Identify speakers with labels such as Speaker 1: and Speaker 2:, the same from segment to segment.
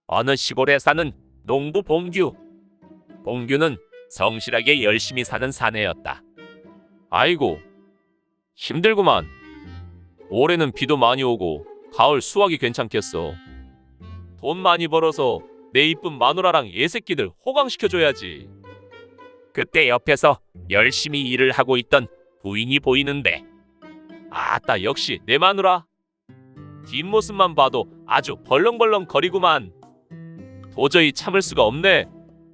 Speaker 1: 어느 시골에 사는 농부 봉규. 봉규는 성실하게 열심히 사는 사내였다. 아이고, 힘들구만. 올해는 비도 많이 오고 가을 수확이 괜찮겠어. 돈 많이 벌어서 내 이쁜 마누라랑 애새끼들 호강시켜줘야지. 그때 옆에서 열심히 일을 하고 있던 부인이 보이는데, 아따, 역시 내 마누라. 뒷모습만 봐도 아주 벌렁벌렁 거리구만. 도저히 참을 수가 없네.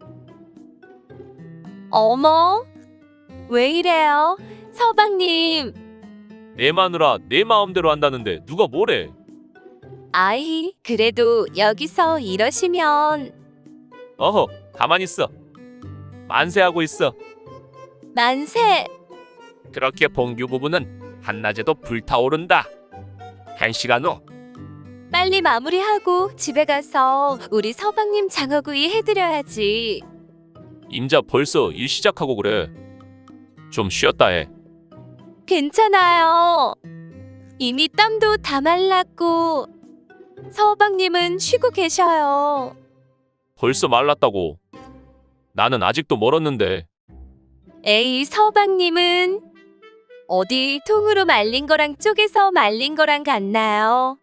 Speaker 2: 어머, 왜 이래요? 서방님.
Speaker 1: 내 마누라 내 마음대로 한다는데 누가 뭐래?
Speaker 2: 아이, 그래도 여기서 이러시면.
Speaker 1: 어허, 가만히 있어. 만세하고 있어.
Speaker 2: 만세.
Speaker 1: 그렇게 봉규 부부는 한낮에도 불타오른다. 1시간 후
Speaker 2: 빨리 마무리하고 집에 가서 우리 서방님 장어구이 해드려야지.
Speaker 1: 임자 벌써 일 시작하고 그래. 좀 쉬었다 해.
Speaker 2: 괜찮아요. 이미 땀도 다 말랐고 서방님은 쉬고 계셔요.
Speaker 1: 벌써 말랐다고. 나는 아직도 멀었는데.
Speaker 2: 에이, 서방님은 어디 통으로 말린 거랑 쪼개서 말린 거랑 같나요?